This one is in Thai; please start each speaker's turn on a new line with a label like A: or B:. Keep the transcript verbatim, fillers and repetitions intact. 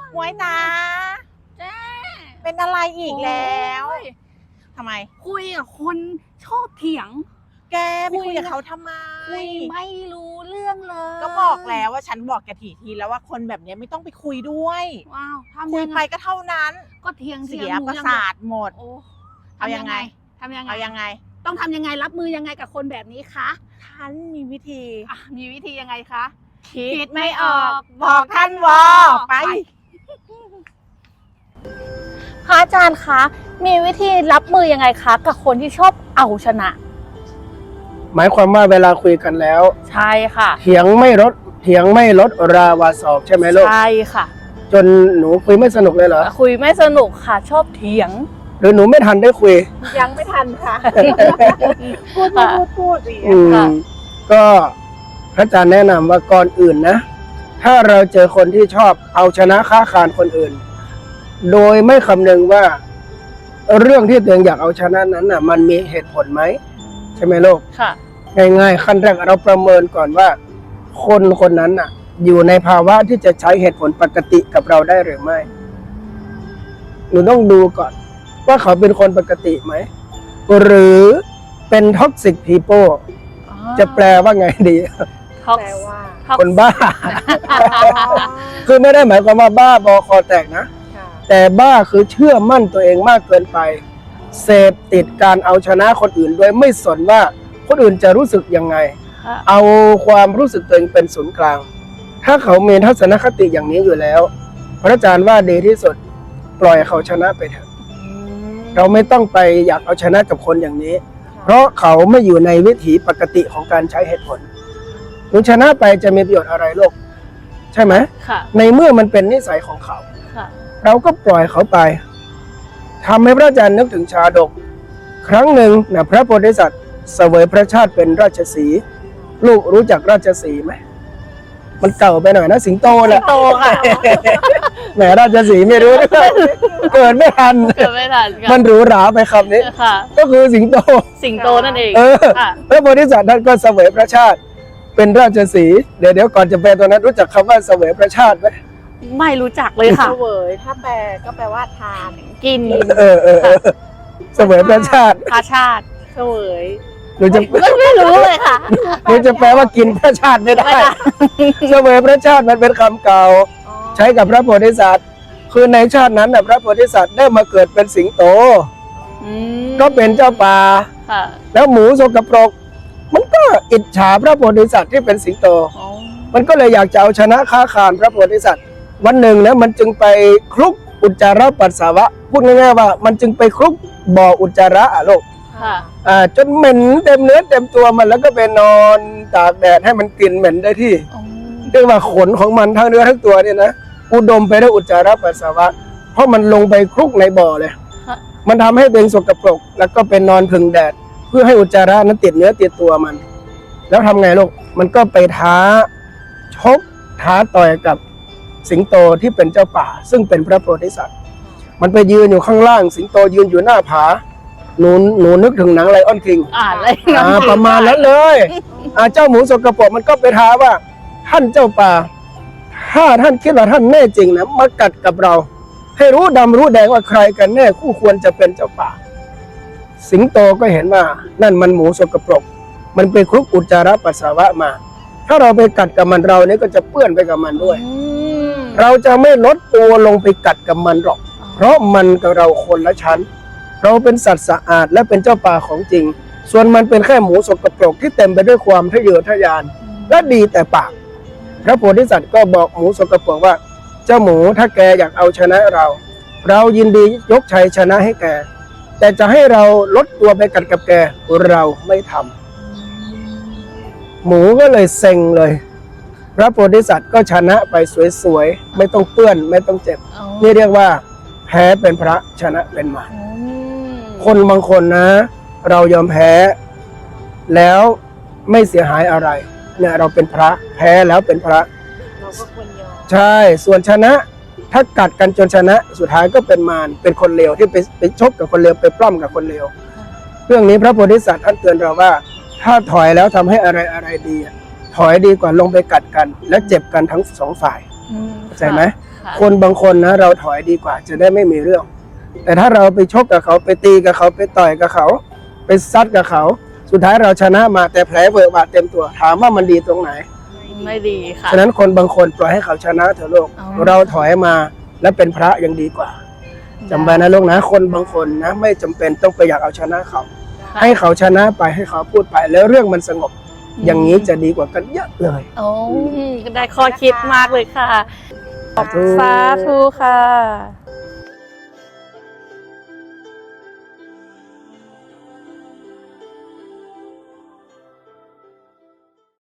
A: หมวยตา
B: เจ๊
A: เป็นอะไรอีกแล้วทำไม
B: คุยกับคนชอบเถียง
A: แกไปคุยกับเขาทำไม
B: คุยไม่รู้เรื่องเลย
A: ก็บอกแล้วว่าฉันบอกแกถี่ทีแล้วว่าคนแบบนี้ไม่ต้องไปคุยด้วย
B: ว้าวทำ
A: คุย
B: ยังไง
A: ไปก็เท่านั้น
B: ก็เถียง
A: เสียประสาทหมดเอายังไง
B: ทำยังไง
A: เอายังไง
B: ต้องทำยังไงรับมือยังไงกับคนแบบนี้คะ
A: ท่านมีวิธี
B: มีวิธียังไงคะ
A: คิดไม่ออกบอกท่านวอไป
B: พระอาจารย์คะมีวิธีรับมือยังไงคะกับคนที่ชอบเอาชนะ
C: หมายความว่าเวลาคุยกันแล้ว
B: ใช่ค่ะ
C: เถียงไม่ลดเถียงไม่ลดราวาศอกใช่ไหมลูก
B: ใช่ค่ะ
C: จนหนูคุยไม่สนุกเลยเหรอ
B: คุยไม่สนุกค่ะชอบเถียง
C: หรือหนูไม่ทันได้คุย
A: ยังไม่ทันค่ะพูดพูดพูด
C: อืมก็พระอาจารย์แนะนำว่าก่อนอื่นนะถ้าเราเจอคนที่ชอบเอาชนะค้าคานคนอื่นโดยไม่คำนึงว่าเรื่องที่ตัวเองอยากเอาชนะนั้นน่ะมันมีเหตุผลไหมใช่ไหมลูก
B: ค่ะ
C: ง่ายๆขั้นแรกเราประเมินก่อนว่าคนคนนั้นน่ะอยู่ในภาวะที่จะใช้เหตุผลปกติกับเราได้หรือไม่หนูต้องดูก่อนว่าเขาเป็นคนปกติไหมหรือเป็นท็อกซิกพีโพจะแปลว่าไงดี
A: แปลว่า
C: คนบ้าคือไม่ได้หมายความว่าบ้าบอคอแตกนะแต่บ้าคือเชื่อมั่นตัวเองมากเกินไปเสพติดการเอาชนะคนอื่นโดยไม่สนว่าคนอื่นจะรู้สึกยังไงเอาความรู้สึกตัวเองเป็นศูนย์กลางถ้าเขามีทัศนคติอย่างนี้อยู่แล้วพระอาจารย์ว่าดีที่สุดปล่อยเขาชนะไปเถอะเราไม่ต้องไปอยากเอาชนะกับคนอย่างนี้เพราะเขาไม่อยู่ในวิถีปกติของการใช้เหตุผลหนูชนะไปจะมีประโยชน์อะไรโลกใช่ไหมในเมื่อมันเป็นนิสัยของเขาเราก็ปล่อยเขาไปทำให้พระอาจารย์นึกถึงชาดกครั้งหนึ่งนะพระโพธิสัตว์เสวยพระชาติเป็นราชสีห์ลูกรู้จักราชสีห์ไหมมันเก่าไปหน่อยนะสิงโตแหละ
B: สิงโตค่ะ
C: แหมราชสีห์ไม่รู้เกิดไม่ทัน
B: เกิดไม่ทัน
C: มันหรูหราไปคำนี้ก็คือสิงโต
B: สิงโตนั่นเอง
C: พระโพธิสัตว์ท่านก็เสวยพระชาติเป็นราชสีห์เดี๋ยวเดี๋ยวก่อนจะแปลตัวนั้นรู้จักคำว่าเสวยพระชาติไหม
B: ไม่รู้จักเลยค่ะ
A: เสวยถ้าแปลก็แปลว่าทาน
B: กิน
C: เออเออเสวยพระชาติ
B: พระชาติ
A: เสวย
C: หนูจะ
B: ไม่รู้เลยค่ะ
C: หนูจะแปลว่ากินพระชาติไม่ได้เสวยพระชาติมันเป็นคำเก่าใช้กับพระโพธิสัตว์คือในชาตินั้นน่ะพระโพธิสัตว์ได้มาเกิดเป็นสิงโตก็เป็นเจ้าป่าแล้วหมูสกปรกมันก็อิจฉาพระโพธิสัตว์ที่เป็นสิงโตมันก็เลยอยากจะเอาชนะค้าคานพระโพธิสัตว์วันหนึ่งนะมันจึงไปคลุกอุจจาระปัสสาวะพูดง่ายๆว่ามันจึงไปคลุกบ่ออุจจาระอะลูกอ่าจนเหม็นเต็มเนื้อเต็มตัวมันแล้วก็ไปนอนตากแดดให้มันกลิ่นเหม็นได้ที่เรียกว่าขนของมันทั้งเนื้อทั้งตัวเนี่ยนะอุดมไปด้วยอุจจาระปัสสาวะเพราะมันลงไปคลุกในบ่อเลยมันทำให้ตัวเองสกปรกแล้วก็เป็นนอนพึ่งแดดเพื่อให้อุจจาระนั้นติดเนื้อติดตัวมันแล้วทำไงลูกมันก็ไปท้าชกท้าต่อยกับสิงโตที่เป็นเจ้าป่าซึ่งเป็นพระโพธิสัตว์มันไปยืนอยู่ข้างล่างสิงโตยืนอยู่หน้าผาหนูหนูนึกถึงหนังไลออนคิง
B: อ่าอะไร
C: ประมาณนั้นเลยอ่าเจ้าหมูสกปรกมันก็ไปท้าว่าท่านเจ้าป่าถ้าท่านคิดว่าท่านแน่จริงนะมากัดกับเราให้รู้ดำรู้แดงว่าใครกันแน่คู่ควรจะเป็นเจ้าป่าสิงโตก็เห็นว่านั่นมันหมูสกปรกมันไปคลุกอุจจาระปัสสาวะมาถ้าเราไปกัดกับมันเราเนี่ยก็จะเปื้อนไปกับมันด้วยเราจะไม่ลดตัวลงไปกัดกับมันหรอกเพราะมันกับเราคนละชั้นเราเป็นสัตว์สะอาดและเป็นเจ้าป่าของจริงส่วนมันเป็นแค่หมูสกปรกที่เต็มไปด้วยความทะเยอทะยานและดีแต่ปากพระโพธิสัตว์ก็บอกหมูสกปรกว่าเจ้าหมูถ้าแกอยากเอาชนะเราเรายินดียกชัยชนะให้แกแต่จะให้เราลดตัวไปกัดกับแกเราไม่ทำหมูก็เลยเซ็งเลยพระโพธิสัตว์ก็ชนะไปสวยๆไม่ต้องเปื้อนไม่ต้องเจ็บนี่เรียกว่าแพ้เป็นพระชนะเป็นมารคนบางคนนะเรายอมแพ้แล้วไม่เสียหายอะไรเนี่ยเราเป็นพระแพ้แล้วเป็นพระ
A: เราก็ควรยอม
C: ใช่ส่วนชนะถ้ากัดกันจนชนะสุดท้ายก็เป็นมารเป็นคนเลวที่ไปไปชกกับคนเลวไปปล้ำกับคนเลวเรื่องนี้พระโพธิสัตว์ท่านเตือนเราว่าถ้าถอยแล้วทำให้อะไรอะไรดีถอยดีกว่าลงไปกัดกันและเจ็บกันทั้งสองฝ่ายเข้าใจไหม
B: ค่ะ
C: คนบางคนนะเราถอยดีกว่าจะได้ไม่มีเรื่อง แต่ถ้าเราไปชกกับเขาไปตีกับเขาไปต่อยกับเขาไปซัดกับเขา สุดท้ายเราชนะมาแต่แผลเวอะหวะเต็มตัวถามว่ามันดีตรงไหน
B: ไม่ดีค่ะ
C: ฉะนั้นคนบางคนปล่อยให้เขาชนะเถอะลูก
B: อ๋อ
C: เราถอยมาแล้วเป็นพระยังดีกว่าจำไว้นะลูกนะคนบางคนนะไม่จำเป็นต้องไปอยากเอาชนะเขา
B: ค่ะ
C: ให้เขาชนะไปให้เขาพูดไปแล้วเรื่องมันสงบ อย่างนี้จะดีกว่ากันเยอะเลย
B: โอ้ได้ข้อคิดมากเลยค่ะ
C: สาธุ
B: สาธุค่ะ